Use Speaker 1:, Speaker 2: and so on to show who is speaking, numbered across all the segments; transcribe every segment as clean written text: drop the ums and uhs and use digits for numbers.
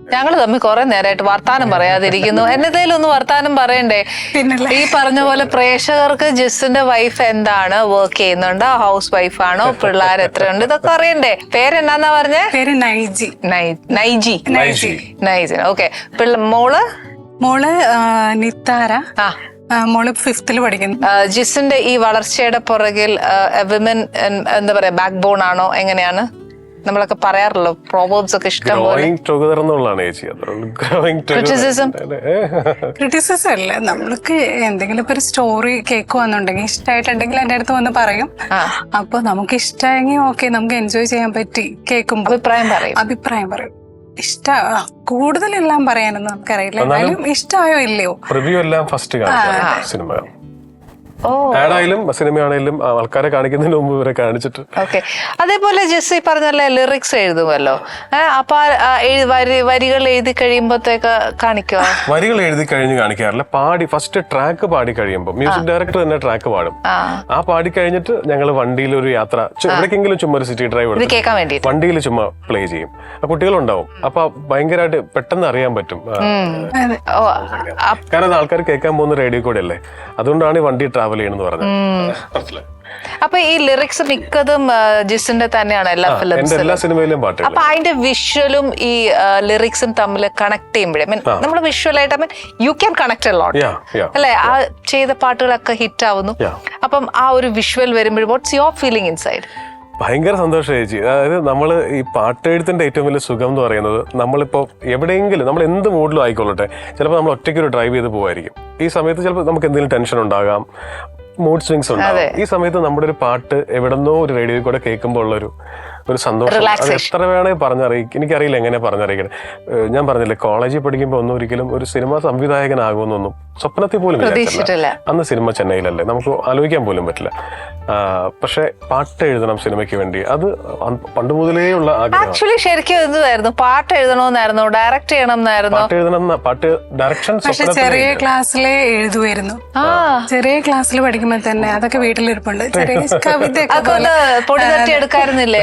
Speaker 1: ഞങ്ങൾ തമ്മിൽ കുറെ നേരമായിട്ട് വർത്താനം പറയാതിരിക്കുന്നു. എന്നതേലും ഒന്ന് വർത്താനം പറയണ്ടേ? ഈ പറഞ്ഞ പോലെ പ്രേക്ഷകർക്ക് ജിസിന്റെ വൈഫ് എന്താണ്, വർക്ക് ചെയ്യുന്നുണ്ടോ, ഹൗസ് വൈഫാണോ, പിള്ളേർ എത്രയുണ്ട്, ഇതൊക്കെ അറിയണ്ടേ? പേരെന്നാ പറഞ്ഞേ?
Speaker 2: പേര് നൈജി.
Speaker 1: നൈജി. ഓക്കെ. മോള്
Speaker 2: നിത്താര. മോള് 5th പഠിക്കുന്നു.
Speaker 1: ജിസിന്റെ ഈ വളർച്ചയുടെ പുറകിൽ വിമൻ എന്താ പറയാ, ബാക്ക് ബോൺ ആണോ, എങ്ങനെയാണ്? നമ്മളൊക്കെ പറയാറല്ലോ, പ്രോവേർബ്സ് ഒക്കെ ഇഷ്ടം പോലെ.
Speaker 2: ക്രിറ്റിസിസം അല്ല, നമ്മൾക്ക് എന്തെങ്കിലും ഒരു സ്റ്റോറി കേൾക്കുവാന്നുണ്ടെങ്കിൽ ഇഷ്ടമായിട്ടുണ്ടെങ്കിൽ എന്റെ അടുത്ത് വന്ന് പറയും. അപ്പൊ നമുക്ക് ഇഷ്ടമായെങ്കിൽ ഓക്കെ, നമുക്ക് എൻജോയ് ചെയ്യാൻ പറ്റി കേൾക്കുമ്പോ അഭിപ്രായം പറയും. കൂടുതലെല്ലാം പറയാനൊന്നും നമുക്കറിയില്ല, എന്നാലും ഇഷ്ടമായോ ഇല്ലയോ
Speaker 3: റിവ്യൂ എല്ലാം ഫസ്റ്റ് സിനിമ ആടായാലും സിനിമയാണേലും ആൾക്കാരെ കാണിക്കുന്നതിന് മുമ്പ് ഇവരെ കാണിച്ചിട്ട്.
Speaker 1: ഓക്കെ. അതേപോലെ ജസ്റ്റ് ഈ പറഞ്ഞല്ലേ ലിറിക്സ് എഴുതുമല്ലോ, അപ്പൊ വരികൾ എഴുതി കഴിയുമ്പോഴത്തേക്ക് കാണിക്കുക?
Speaker 3: വരികൾ എഴുതി കഴിഞ്ഞ് കാണിക്കാറില്ല, ഫസ്റ്റ് ട്രാക്ക് പാടി കഴിയുമ്പോൾ മ്യൂസിക് ഡയറക്ടർ തന്നെ ട്രാക്ക് പാടും. ആ പാടി കഴിഞ്ഞിട്ട് ഞങ്ങൾ വണ്ടിയിൽ ഒരു യാത്ര, എവിടേക്കെങ്കിലും ചുമ്മാ ഒരു സിറ്റി ഡ്രൈവ്
Speaker 1: കേൾക്കാൻ വേണ്ടി
Speaker 3: വണ്ടിയിൽ ചുമ്മാ പ്ലേ ചെയ്യും. കുട്ടികളുണ്ടാവും, അപ്പൊ ഭയങ്കരമായിട്ട് പെട്ടെന്ന് അറിയാൻ പറ്റും. കാരണം ആൾക്കാർ കേൾക്കാൻ പോകുന്ന റേഡിയോ കൂടെ അല്ലേ, അതുകൊണ്ടാണ് ഈ വണ്ടി ട്രാവൽ ചെയ്യണമെന്ന് പറഞ്ഞത്.
Speaker 1: അപ്പൊ ഈ ലിറിക്സ് മിക്കതും ജിസിന്റെ തന്നെയാണ് എല്ലാ
Speaker 3: സിനിമയിലും പാട്ട്.
Speaker 1: അപ്പൊ അതിന്റെ വിഷ്വലും ഈ ലിറിക്സും തമ്മിൽ കണക്ട് ചെയ്യുമ്പോഴേ നമ്മൾ വിഷ്വലായിട്ട് യു ക്യാൻ കണക്ട് ലോട്ട് അല്ലെ? ആ ചെയ്ത പാട്ടുകളൊക്കെ ഹിറ്റ് ആവുന്നു. അപ്പം ആ ഒരു വിഷ്വൽ വരുമ്പോൾ വാട്ട്സ് യുവർ ഫീലിംഗ് ഇൻസൈഡ്?
Speaker 3: ഭയങ്കര സന്തോഷം ചേച്ചി. അതായത് നമ്മൾ ഈ പാട്ടെഴുത്തിന്റെ ഏറ്റവും വലിയ സുഖം എന്ന് പറയുന്നത്, നമ്മളിപ്പോൾ എവിടെയെങ്കിലും നമ്മൾ എന്ത് മൂഡിലും ആയിക്കൊള്ളട്ടെ, ചിലപ്പോൾ നമ്മൾ ഒറ്റയ്ക്ക് ഒരു ഡ്രൈവ് ചെയ്ത് പോവായിരിക്കും. ഈ സമയത്ത് ചിലപ്പോൾ നമുക്ക് എന്തെങ്കിലും ടെൻഷൻ ഉണ്ടാകാം, മൂഡ് സ്വിങ്സ് ഉണ്ടാകും. ഈ സമയത്ത് നമ്മുടെ ഒരു പാട്ട് എവിടെന്നോ ഒരു റേഡിയോയിൽ കൂടെ കേൾക്കുമ്പോൾ ഉള്ളൊരു സന്തോഷം അത് എത്ര വേണമെങ്കിൽ പറഞ്ഞറിയിക്കും. എനിക്കറിയില്ല എങ്ങനെ പറഞ്ഞറിയിക്കണം. ഞാൻ പറഞ്ഞില്ലേ, കോളേജിൽ പഠിക്കുമ്പോൾ ഒന്നും ഒരിക്കലും ഒരു സിനിമാ സംവിധായകനാകുമെന്നൊന്നും സ്വപ്നത്തിൽ പോലും വിചാരിച്ചില്ല. അന്ന് സിനിമ ചെന്നൈയിലല്ലേ, നമുക്ക് ആലോചിക്കാൻ പോലും പറ്റില്ല. പക്ഷെ പാട്ട് എഴുതണം സിനിമയ്ക്ക് വേണ്ടി, അത് പണ്ട് മുതലേ ഉള്ള
Speaker 1: ആക്ച്വലി ശരിക്കും എന്തായിരുന്നു, പാട്ട് എഴുതണമെന്നായിരുന്നു, ഡയറക്ട് ചെയ്യണം എന്നായിരുന്നു.
Speaker 3: പാട്ട് എഴുതണം, പാട്ട് ഡയറക്ഷൻ
Speaker 2: ചെറിയ ക്ലാസ്സിലെ എഴുതുമായിരുന്നു. ചെറിയ ക്ലാസ്സിൽ പഠിക്കുമ്പോൾ തന്നെ അതൊക്കെ വീട്ടിലിരിപ്പുണ്ട്.
Speaker 1: പൊടി തട്ടി എടുക്കാറുന്നില്ലേ?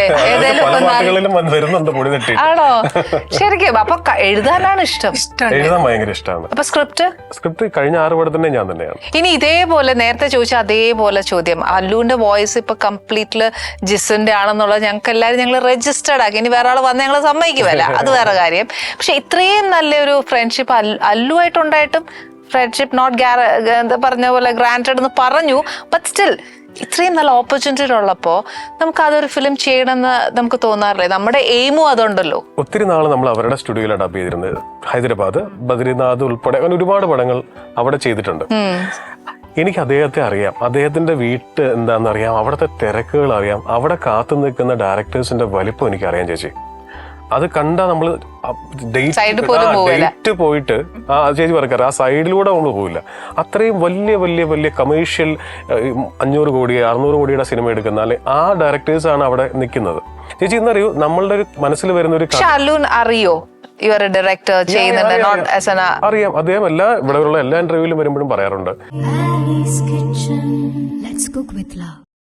Speaker 1: ആണോ? ശരിക്കും അപ്പൊ എഴുതാനാണ് ഇഷ്ടം?
Speaker 3: എഴുതാൻ ഭയങ്കര ഇഷ്ടമാണ്.
Speaker 1: അപ്പൊ സ്ക്രിപ്റ്റ്
Speaker 3: കഴിഞ്ഞ 6 പടത്തിന്റെ ഞാൻ തന്നെയാണ്.
Speaker 1: ഇനി ഇതേപോലെ നേരത്തെ ചോദിച്ച അതേപോലെ ചോദ്യം, അല്ലുവിന്റെ വോയിസ് ഇപ്പൊ കംപ്ലീറ്റ്ലി ജിസിന്റെ ആണെന്നുള്ളത് ഞങ്ങൾക്ക് എല്ലാവരും ഞങ്ങൾ രജിസ്റ്റേർഡ് ആക്കി. ഇനി വേറെ ആൾ വന്ന് ഞങ്ങൾ സമ്മതിക്കുമല്ല, അത് വേറെ കാര്യം. പക്ഷെ ഇത്രയും നല്ലൊരു ഫ്രണ്ട്ഷിപ്പ് അല്ലുമായിട്ടുണ്ടായിട്ടും ഫ്രണ്ട്ഷിപ്പ് നോട്ട് എന്താ പറഞ്ഞ പോലെ ഗ്രാൻറ്റഡ് എന്ന് പറഞ്ഞു, ബട്ട് സ്റ്റിൽ ഇത്രയും നല്ല ഓപ്പർച്യൂണിറ്റി ഉള്ളപ്പോ നമുക്ക് അതൊരു ഫിലിം ചെയ്യണമെന്ന് നമുക്ക് തോന്നാറില്ലേ? നമ്മുടെ എയിമും അതുണ്ടല്ലോ.
Speaker 3: ഒത്തിരി നാൾ നമ്മൾ അവരുടെ സ്റ്റുഡിയോയിൽ ഡബ് ചെയ്തിരുന്നത്, ഹൈദരാബാദ്, ബദ്രിനാഥ് ഉൾപ്പെടെ അങ്ങനെ ഒരുപാട് പടങ്ങൾ അവിടെ ചെയ്തിട്ടുണ്ട്. എനിക്ക് അദ്ദേഹത്തെ അറിയാം, അദ്ദേഹത്തിന്റെ വീട്ട് എന്താണെന്നറിയാം, അവിടുത്തെ തിരക്കുകൾ അറിയാം, അവിടെ കാത്തു നിൽക്കുന്ന ഡയറക്ടേഴ്സിന്റെ വലിപ്പം എനിക്കറിയാം ചേച്ചി. അത് കണ്ടാ നമ്മള് ഡേറ്റ് പോയിട്ട് ചേച്ചി പറയാറ് ആ സൈഡിലൂടെ നമ്മൾ പോവില്ല. അത്രയും വലിയ വലിയ വലിയ കമേഴ്ഷ്യൽ 500 കോടി 600 കോടിയുടെ സിനിമ എടുക്കുന്ന അല്ലെ ആ ഡയറക്ടേഴ്സ് ആണ് അവിടെ നിൽക്കുന്നത്. ചേച്ചി ഇന്നറിയൂ, നമ്മളുടെ ഒരു മനസ്സിൽ വരുന്ന ഒരു
Speaker 1: അറിയോ ഡയറക്ടർ
Speaker 3: അറിയാം. അദ്ദേഹം ഇവിടെയുള്ള എല്ലാ ഇന്റർവ്യൂവിലും വരുമ്പോഴും പറയാറുണ്ട്.